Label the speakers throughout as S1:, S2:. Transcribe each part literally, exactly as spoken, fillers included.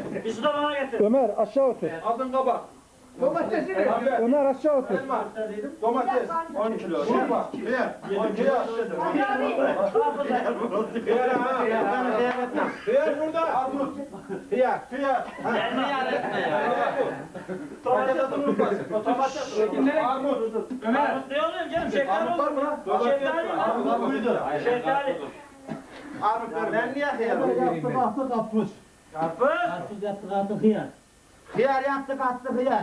S1: Bir su da bana getir.
S2: Ömer aşağı otur.
S3: Aldın kabak.
S4: Domatesi ne?
S2: Ömer aşağı otur.
S3: Elma. Domates. on kilo. Şurba. Bir. on kilo. Hıyar ha. Hıyar burada. Armut. Hıyar. Hıyar.
S1: Ben hıyar etme ya.
S3: Domates unutmasın. Armut.
S1: Ömer. Armut ne oluyor canım? Şeftali
S3: Armut var mı?
S1: Şeftali.
S3: Armut buydu.
S1: Şeftali.
S3: Armut ver. Ben niye hıyar vereyim ben?
S4: Yaptık karpuz.
S1: Karpuz.
S4: Karpuz yaptık attık hıyar.
S3: Hıyar yaptık attık hıyar.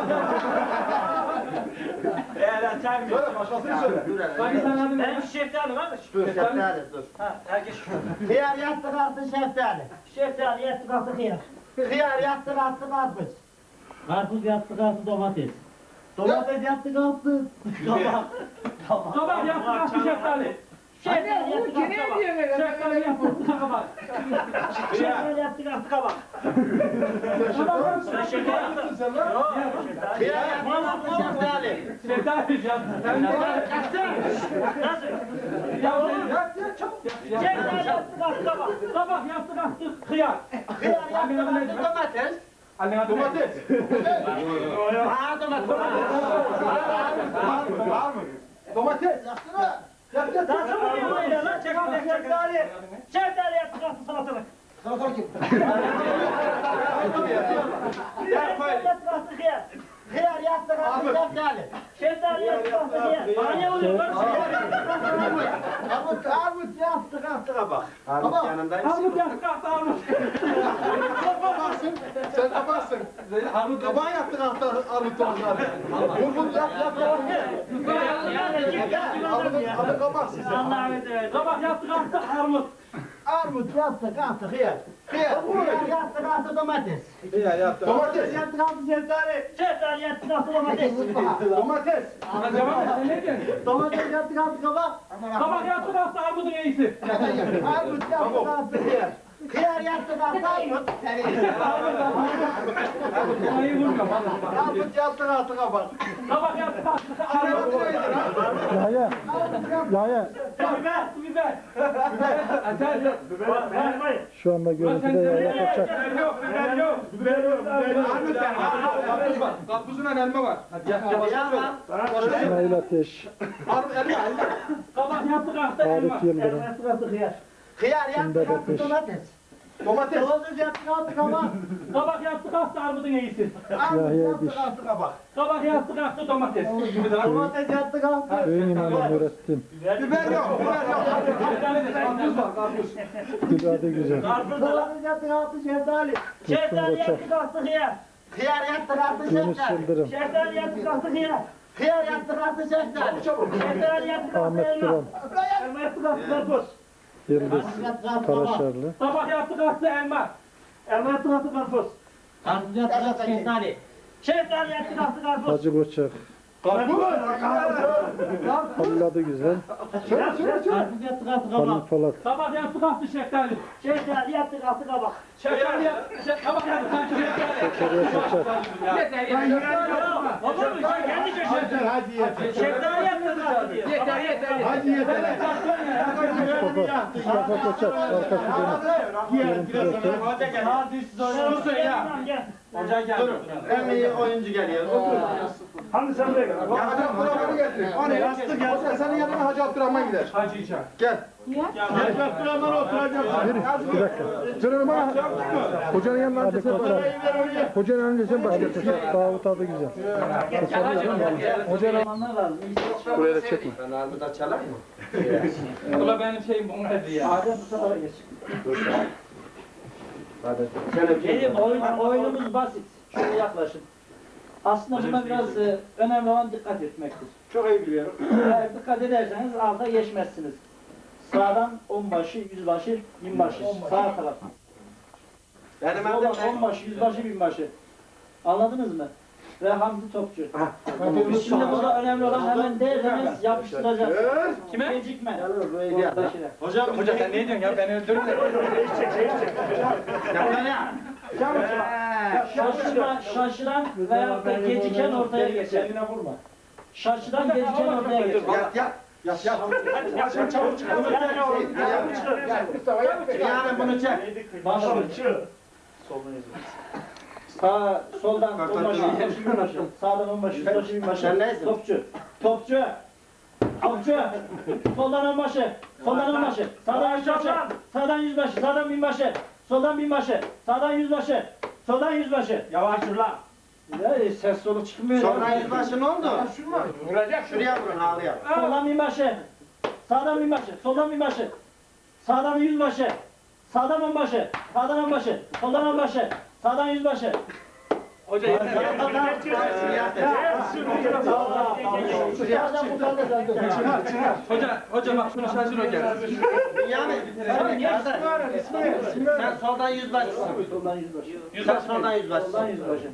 S1: Eğer çay mı?
S3: Söyle başkasını söyle.
S1: Hadi sen hadi. Benim şeftali varmış.
S3: Dur şeftali dur.
S1: Ha, herkes
S3: Hıyar yaptık attık şeftali.
S4: Şeftali yaptık attık hıyar.
S3: Hıyar yaptık attık karpuz.
S4: Karpuz yaptık attık domates. Domates yaptık attık. Kabak.
S1: Kabak yaptık attık şeftali.
S4: Şeftali yaptık attık kabak.
S1: Şeftali yaptık kabak.
S4: Şeftali yaptık attık kabak.
S1: Sen şeker yaptın. Yok.
S3: Hıyar yaptık attık şeftali.
S1: Şeftali yaptın. Nasıl? Ya oğlum. Şeftali yaptık attık kabak. Kabak yaptık attık hıyar.
S3: Hıyar yaptık attık domates. Domates.
S1: Ha domates.
S3: Var mı? Domates. Yapsana. Yap yap.
S1: Nasıl oluyor böyle lan? Çekil şeftali. Şeftali yaptık attık salatalık.
S3: Salata kim?
S1: Şeftali yaptık attık hıyar.
S3: Hıyar yaptık attık şeftali.
S1: Şeftali yaptık attık hıyar. Bana ne oluyor lan?
S3: Armut, armut yaptık attık kabak. Armut yanındaymış.
S1: Armut yaptık attık armut.
S3: Kabaksın. Sen kabaksın. Armut kabağı yaptık attık armut onları. Bulbul yap yap yap. Armut adı kabaksın sen.
S1: Allah'a emanet. Kabak yaptık attık armut.
S3: Armut yaptık attık hıyar. Hıyar. Hıyar yaptık attık domates. Hıyar yaptık. Domates yaptık attık şeftali.
S1: Şeftali yaptık attık domates.
S3: Domates.
S1: Ne diyorsun?
S3: Domates yaptık attık kabak.
S1: Kabak yaptık attık armudun iyisi.
S3: Armut yaptık attık hıyar. Hıyar yaptık attık armut. Armut yaptık attık kabak.
S1: Kabak yaptık attık armut.
S2: Yahya. Yahya.
S1: Biber, biber. Biber. Biber. Vermeyin.
S2: Şu anda görüntüde Yahya Koçak.
S1: Biber yok, biber yok. Biber yok.
S3: Armut ver. Karpuz var. Karpuzun elma var. Hadi yap yap.
S2: İsmail Ateş.
S3: Armut elma elma.
S1: Kabak yaptık attık elma.
S2: Arif Yıldırım.
S4: Yaptık attık hıyar.
S3: Hıyar
S2: Sünder
S3: yaptık attık
S2: Ateş.
S3: domates. Domates. Domates yaptık attık kabak.
S1: Kabak yaptık attık armudun iyisi.
S3: Armut
S2: Yahya
S3: yaptık
S2: Diş.
S3: attık kabak.
S1: Kabak yaptık attık domates.
S3: Domates yaptık attık.
S2: Köyün imamı Nurettin.
S3: Biber yok, biber yok.
S1: Karpuz var, karpuz.
S2: Gül adı güzel.
S1: Karpuz da
S3: Domates yaptık attık şeftali.
S1: Şeftali
S2: Koçak.
S1: yaptık attık hıyar.
S3: Hıyar yaptık attık
S2: Yunus
S3: şeftali.
S2: Yıldırım.
S1: Şeftali yaptık attık hıyar.
S3: Hıyar yaptık attık şeftali.
S1: Şeftali yaptık attık
S2: Ahmet
S1: elma.
S2: Duran.
S1: Elma yaptık attık karpuz.
S2: Yıldız Karaşarlı.
S1: Kabak yaptık attık elma. Elma yaptık attık karpuz.
S4: Karpuz yaptık attık şeftali.
S1: Şeftali yaptık attık karpuz.
S2: Hacı Koçak. Halil adı güzel.
S4: Karpuz yaptık attık
S2: Halil
S4: kabak.
S2: Polat.
S1: Kabak yaptık attık şeftali. Şeftali yaptık attık kabak. Şeftali yaptık. Kabak yaptık attık şeftali.
S2: Zekeriya Koçak.
S1: Olur mu? Sen kendi köşesi.
S3: Hadi yeter.
S1: Şeftali yaptık attık diyor.
S4: Yeter yeter.
S3: Hadi yeter.
S2: Mustafa, Mustafa Koçak. Arkası dönük. Görüntü zaten.
S1: Şunu söyle ya. Hoca geldi.
S3: En iyi oyuncu geliyor. Otur.
S1: Hadi sen de gel.
S3: Ya Hacı Abdurrahman'ı getir. O ne? Yastık gel. Senin yanına Hacı Abdurrahman gider.
S1: Hacı İçer.
S3: Gel.
S1: Hacı Abdurrahman oturacak.
S2: Bir dakika. Canım ama hocanın yanına önce sen başla. Hocanın önce sen başla. Davut adı güzel. Hocanın buraya da çekme.
S3: Ben armuda çalar mı?
S1: Ula benim şeyim bunu hadi ya.
S4: Adem bu tarafa geç.
S1: Benim oyun, oyunumuz basit. Şöyle yaklaşın. Aslında buna biraz e, önemli olan dikkat etmektir.
S3: Çok iyi biliyorum.
S1: Eğer dikkat ederseniz alta geçmezsiniz. Sağdan onbaşı, yüzbaşı, binbaşı. Sağ taraf.
S3: Benim
S1: Soldan
S3: adım
S1: onbaşı, yüzbaşı, binbaşı. Anladınız mı? Ve Hamdi Topçu. Şimdi burada önemli olan hemen derseniz yapıştıracaksınız. Kime? Gecikme. Ortadakine.
S3: Hocam,
S1: Hoca sen ne diyorsun ya? Beni öldürün de. Şaşıran, şaşıran veya da geciken ortaya geçer.
S3: Kendine vurma.
S1: Şaşıran geciken ortaya geçer.
S3: Yat yat. Yat yat.
S1: Yat yat çabuk çıkar.
S3: Yani bunu çek.
S1: Başlıyor. Sağ, soldan onbaşı, yüzbaşı, binbaşı. Sağdan onbaşı, yüzbaşı, binbaşı. Topçu. Topçu. Topçu. Soldan onbaşı. Soldan onbaşı. Sağdan yüzbaşı. Sağdan yüzbaşı. Sağdan binbaşı. Soldan binbaşı. Sağdan yüzbaşı. Soldan yüzbaşı.
S4: Yavaş dur lan.
S1: Ya ses solu çıkmıyor.
S5: Soldan yüzbaşı ne oldu?
S3: Vuracak.
S5: Şuraya vurun halıya.
S1: Soldan binbaşı. Sağdan binbaşı. Soldan binbaşı. Sağdan yüzbaşı. Sağdan onbaşı. Sağdan onbaşı. Soldan onbaşı. Sağdan yüzbaşı.
S4: Hoca yeter.
S3: Çınar çınar.
S4: Hoca, hoca bak şunu şaşır o gel.
S5: Yani sen soldan yüzbaşısın.
S1: Soldan yüzbaşı.
S5: Sen soldan yüzbaşısın.
S1: Soldan yüzbaşı.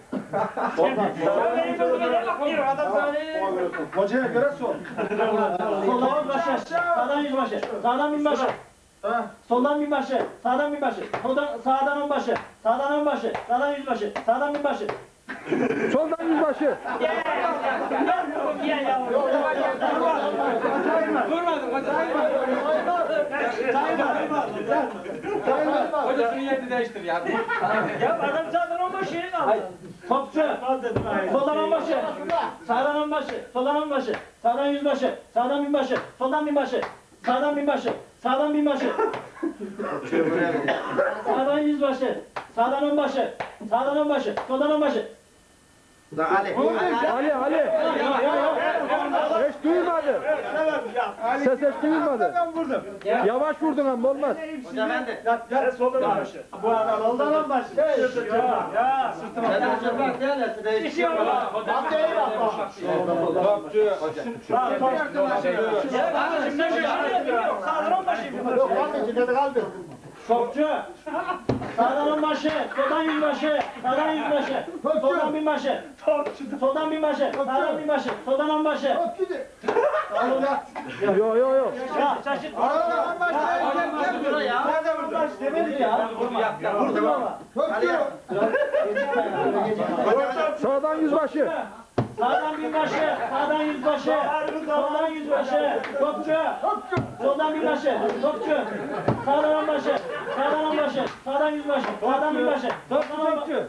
S3: Hocaya göre sol.
S1: Soldan yüzbaşı. Sağdan yüzbaşı. Sağdan binbaşı. Soldan binbaşı. Sağdan binbaşı. Soldan sağdan onbaşı. Sağdan onbaşı. Sağdan yüzbaşı. Sağdan binbaşı.
S2: Soldan yüzbaşı.
S4: Vurmadım hoca. Hoca şunu yerini değiştir ya.
S1: Ya adam sağdan onbaşı. Topçu. Soldan onbaşı. Sağdan onbaşı. Soldan onbaşı. Sağdan yüzbaşı. Sağdan binbaşı. Soldan binbaşı. Sağdan binbaşı. Sağdan binbaşı. Sağdan yüzbaşı. Sağdan onbaşı. Sağdan onbaşı. Soldan onbaşı.
S5: Da Ali.
S2: Ali Ali. Hiç duymadı. Ses hiç duymadı.
S3: Ben vurdum.
S2: Yavaş vurdun ama olmaz.
S5: Hoca ben de.
S3: Bu adam soldan onbaşı. Ya ya sırtıma.
S5: Sen hoca bak gel ya değişiyor.
S3: Hadi iyi bak bak. Yok kaldı dedi kaldı.
S1: Topçu. Sağdan onbaşı. Soldan yüzbaşı. Sağdan yüzbaşı. Soldan binbaşı. Soldan binbaşı. Sağdan binbaşı. Soldan onbaşı.
S3: Yok gidi.
S2: Yo yo yo.
S1: Ya şaşırt.
S3: Aradan onbaşı.
S5: Dur ya.
S3: Nerede vurdun?
S1: Demedik ya. Vurdum ama.
S3: Topçu.
S2: Sağdan yüzbaşı.
S1: Sağdan binbaşı, sağdan yüzbaşı, soldan yüzbaşı, topçu, soldan binbaşı, topçu, sağdan onbaşı, sağdan onbaşı, sağdan yüzbaşı, sağdan binbaşı, topçu, topçu.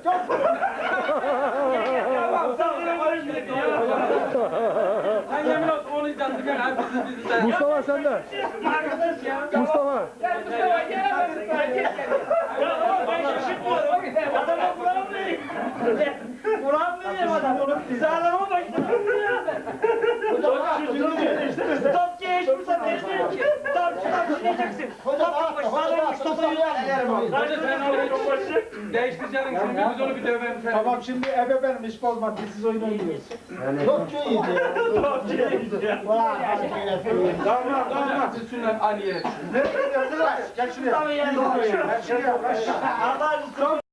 S4: Sen yemin ol onu izledim ben abi bizi bizi de.
S2: Mustafa sende. Mustafa.
S1: Adama Kur'an vereyim. Kur'an vereyim adamı. Sağdan onbaşı. Topçu hiç fırsat vermiyor ki. Topçu topçu diyeceksin. Topçu sağdan onbaşı, soldan yüzbaşı.
S4: Hoca sen onu değiştireceksin şimdi biz onu bir dövelim.
S3: Tamam şimdi ebe benim iş olmadı. Siz oyun oynuyorsunuz. Topçu iyiydi. Topçu iyiydi. Vay. Tamam tamam.
S4: Üstünden Ali'ye.
S3: Ne? Gel şuraya. Gel şuraya.
S1: Allah